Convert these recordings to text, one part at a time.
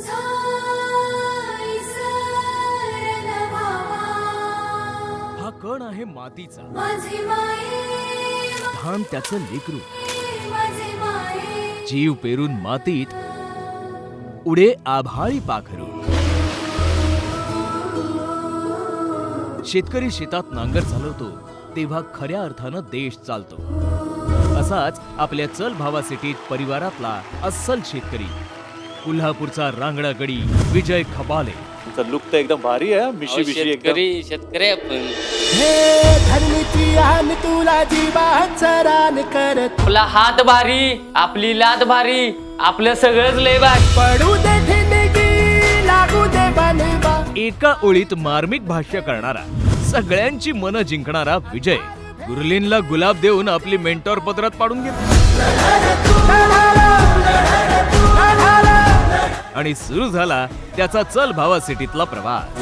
हा कण आहे मातीचा, धान त्याचं लेकरू. जीव पेरून मातीत उडे आभाळी पाखरू. शेतकरी शेतात नांगर चालवतो तेव्हा खऱ्या अर्थानं देश चालतो. असाच आपल्या चल भावा सिटीत परिवारातला अस्सल शेतकरी, कोल्हापूरचा रांगडा गडी विजय खबाले. तुमचा लुक तर एकदम भारी आहे. मिशी बिशी एकदम. शेतकरी आपण. आपला हात भारी, आपली लात भारी, आपलं सगळंच लय भारी. एका ओळीत मार्मिक भाष्य करणारा, सगळ्यांची मनं जिंकणारा विजय गुरलीनला गुलाब देऊन आपली मेंटॉर पदरात पाडून घेतली आणि सुरू झाला त्याचा चल भावा सिटीतला प्रवास.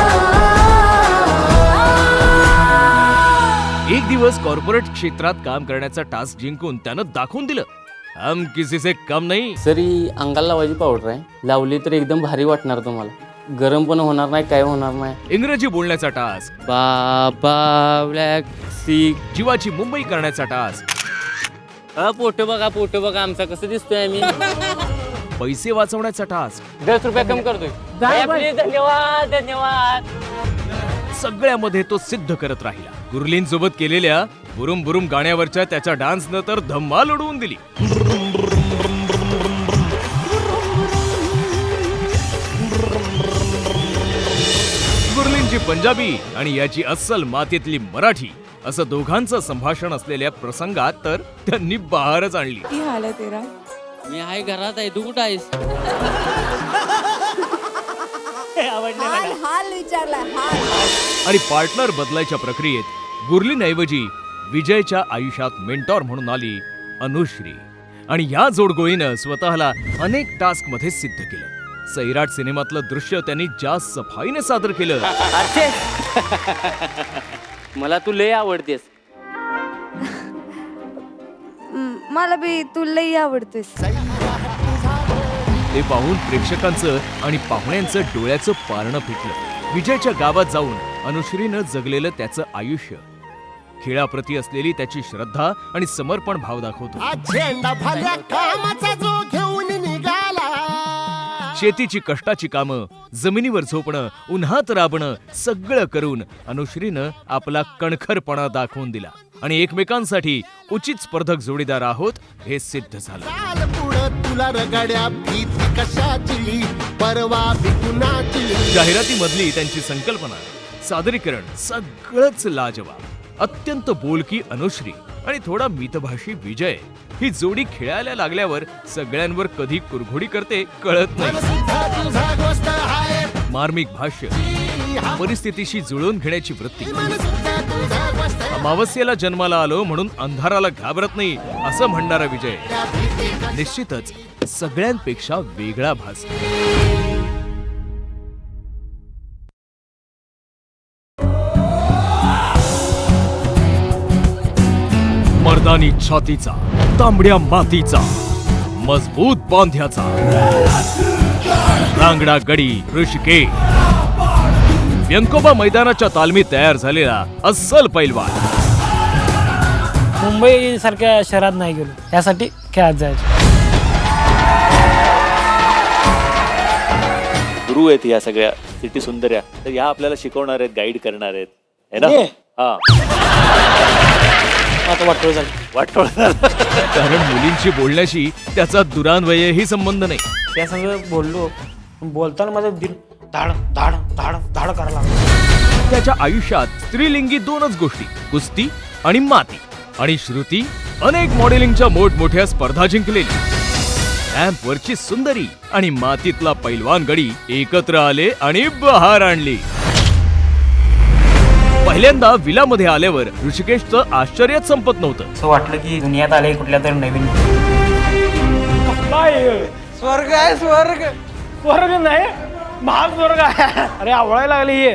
एक दिवस कॉर्पोरेट क्षेत्रात काम करण्याचा टास्क जिंकून त्यानं दाखवून दिलं, हम किसी से कम नाही. सरी अंगाला लावायची पावडर आहे, लावली तर एकदम भारी वाटणार तुम्हाला. गरम पण होणार नाही, काय होणार नाही. इंग्रजी बोलण्याचा टास्क, बाबा ब्लॅक सी, जीवाची मुंबई करण्याचा टास्क, फोटो बघा आमचा कसं दिसतोय आम्ही. पैसे वाचवण्याचा टास्क, 10 रुपये कमी करतोय. धन्यवाद धन्यवाद. सगळ्यामध्ये तो सिद्ध करत राहिला. गुरलीन सोबत केलेल्या बुरुम बुरुम गाण्यावरच्या त्याच्या डान्सनं तर धम्माल उडवून दिली. गुरलीनची पंजाबी आणि याची अस्सल मातीतली मराठी असं दोघांचं संभाषण असलेल्या प्रसंगात तर त्यांनी बहारच आणली. मी आहे घरात आहे, तू कुठं आहेस? आणि पार्टनर बदलायच्या प्रक्रियेत गुरलीनऐवजी विजयच्या आयुष्यात मेंटॉर म्हणून आली अनुश्री. आणि या जोडगोळीनं स्वतःला अनेक टास्क मध्ये सिद्ध केलं. सैराट सिनेमातलं दृश्य त्यांनी जास्त सफाईने सादर केलं. मला तू लय आवडतेस. मला बी तू लई आवडतेस. ते पाहून प्रेक्षकांचं आणि पाहुण्यांचं डोळ्याचं पारणं फिटलं. विजयच्या गावात जाऊन अनुश्रीनं जगलेलं त्याचं आयुष्य, खेळाप्रती असलेली त्याची श्रद्धा आणि समर्पण भाव दाखवतो. शेतीची कष्टाची कामं, जमिनीवर झोपणं, उन्हात राबणं सगळं करून अनुश्रीनं आपला कणखरपणा दाखवून दिला आणि एकमेकांसाठी उचित स्पर्धक जोडीदार आहोत हे सिद्ध झालं. जाहिरातीमधली त्यांची संकल्पना, सादरीकरण सगळंच लाजवाब. अत्यंत बोलकी अनुश्री आणि थोडा मितभाषी विजय ही जोडी खेळायला लागल्यावर सगळ्यांवर कधी कुरघोडी करते कळत नाही. मार्मिक भाष्य, परिस्थितीशी जुळवून घेण्याची वृत्ती. अमावस्येला जन्माला आलो म्हणून अंधाराला घाबरत नाही असं म्हणणारा विजय निश्चितच सगळ्यांपेक्षा वेगळा भास. मर्दानी छातीचा, तांबड्या मातीचा, मजबूत बांध्याचा, रांगडा गडी ऋषिकेश, व्यंकोबा मैदानाच्या तालमीत तयार झालेला अस्सल पैलवान. मुंबई सारख्या शहरात नाही गेलो, यासाठी खेळात जायचं. गुरु आहेत या सगळ्या सिटी सुंदर्या, तर या आपल्याला शिकवणार आहेत, गाईड करणार आहेत, है ना? हा, वाटोळ झालं. कारण मुलींशी बोलण्याशी त्याचा दुरान्वयही संबंध नाही. त्या सगळं बोललो, बोलताना माझं दिल धाड धाड धाड धाड करायला लागलं. त्याच्या आयुष्यात स्त्रीलिंगी दोनच गोष्टी, कुस्ती आणि माती. आणि श्रुती अनेक मॉडेलिंगच्या मोठमोठ्या स्पर्धा जिंकलेली. रॅम्पवरची सुंदरी आणि मातीतला पैलवान गडी एकत्र आले आणि बहार आणली. पहिल्यांदा विलामध्ये आल्यावर ऋषिकेशचं आश्चर्यच संपत नव्हतं. असं वाटलं की दुनियात आले कुठल्या तरी नवीन. स्वर्ग आहे, स्वर्ग. स्वर्ग नाही, महाग स्वर्ग आहे. अरे आवडायला लागली हे.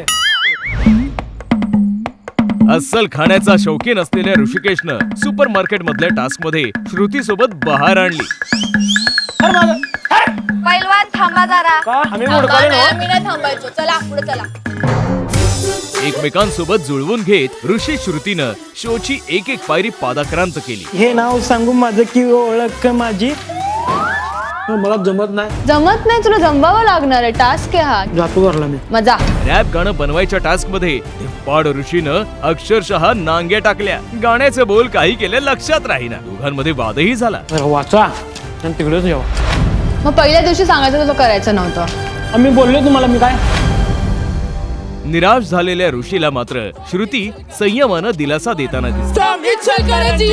अस्सल खाण्याचा शौकीन असलेल्या ऋषिकेशनं सुपर मार्केट मधल्या टास्क मध्ये श्रुती सोबत बहार आणली. पैलवान थांबा जरा. का आम्ही थांबा मुडकाले नाही, ना आम्ही नाही थांबायचो. चला पुढे चला. एकमेकांसोबत जुळवून घेत ऋषी श्रुतीनं शोची एक एक पायरी पादाक्रांत केली. हे नाव सांगू माझं की ओळख माझी मला जमत नाही. जमत नाही तुला जमवावं लागणार आहे. टास्क आहे हा. जातो घरला मी. मजा. रॅप गाणं बनवायच्या टास्क मध्ये धिप्पाड ऋषीनं अक्षरशः नांग्या टाकल्या. गाण्याचे बोल काही केले लक्षात राहीना. दोघांमध्ये वादही झाला. जरा वाचा आणि तिकडेच जेवा. मग पहिल्या दिवशी सांगायचं तुला करायचं नव्हतं. आम्ही बोललो तुम्हाला मी काय निराश झालेल्या ऋषीला मात्र श्रुती संयमानं दिलासा देताना दिसते.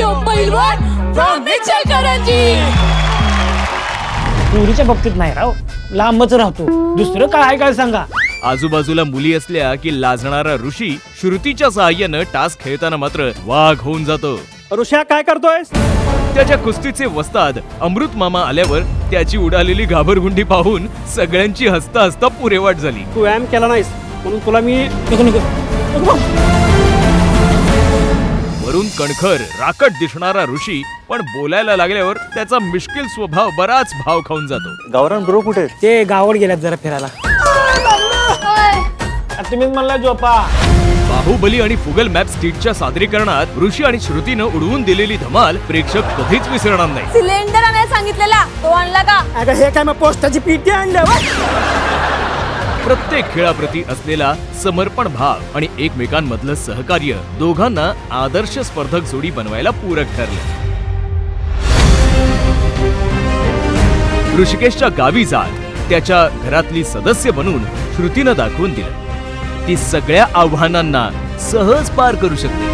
पुरीच्या बाबतीत नाही राव लांबच राहतो. दुसरं काय आहे काय सांगा. आजूबाजूला मुली असल्या की लाजणारा ऋषी श्रुतीच्या सहाय्यानं टास्क खेळताना मात्र वाघ होऊन जातो. ऋषा काय करतोय. त्याच्या कुस्तीचे वस्ताद अमृत मामा आल्यावर त्याची उडालेली घाबरगुंडी पाहून सगळ्यांची हसता हसता पुरेवाट झाली. तू व्यायाम केला नाहीस म्हणून तुला मी वरून कणखर राकट दिसणारा ऋषी पण बोलायला लागल्यावर त्याचा मिश्किल स्वभाव बराच भाव खाऊन जातो. गावरान ब्रो कुठे आहेत? ते गावावर गेल्यात जरा फिरायला. तुम्हीच म्हणला झोपा. बाहुबली आणि फुगल मॅप स्टिकच्या सादरीकरणात ऋषी आणि श्रुतीनं उडवून दिलेली धमाल प्रेक्षक कधीच विसरणार नाही. सिलेंडर आणायला सांगितलेला तो आणला का? अगं हे काय मग पोस्टाची पीटी आणल्या. प्रत्येक खेळाप्रती असलेला समर्पण भाव आणि एकमेकांमधलं सहकार्य दोघांना आदर्श स्पर्धक जोडी बनवायला पूरक ठरले. ऋषिकेशच्या गावी जात त्याच्या घरातली सदस्य बनून श्रुतीनं दाखवून दिलं ती सगळ्या आव्हानांना सहज पार करू शकते.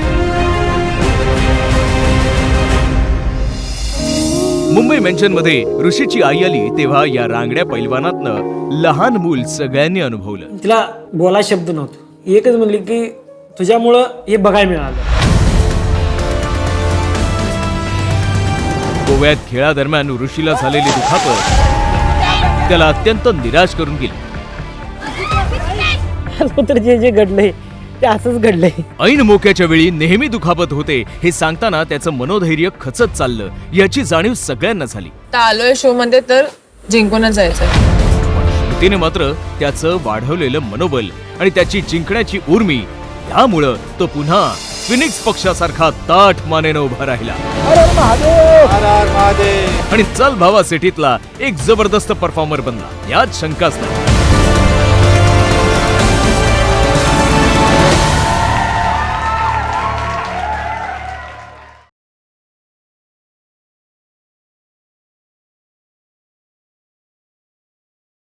मुंबई मेन्शन मध्ये ऋषीची आई आली तेव्हा या रांगड्या पैलवानातनं लहान मूल सगळ्यांनी अनुभवलं. तिला बोला शब्द नव्हतं. एकच म्हणली की तुझ्यामुळं हे बघायला मिळालं. गोव्यात खेळादरम्यान ऋषीला झालेली दुखापत त्याला अत्यंत निराश करून गेली. तर जे जे घडलंय ते असंच घडलंय. ऐन मोक्याच्या वेळी नेहमी दुखापत होते हे सांगताना त्याचं मनोधैर्य खचत चाललं याची जाणीव सगळ्यांना झाली. आलोय शो मध्ये तर जिंकूनच जायचंय. श्रुतीने मात्र त्याचं वाढवलेलं मनोबल आणि त्याची जिंकण्याची उर्मी यामुळं तो पुन्हा फिनिक्स पक्षासारखा ताठ मानेनं उभा राहिला आणि चल भावा सिटीतला एक जबरदस्त परफॉर्मर बनला यात शंकाच नाही.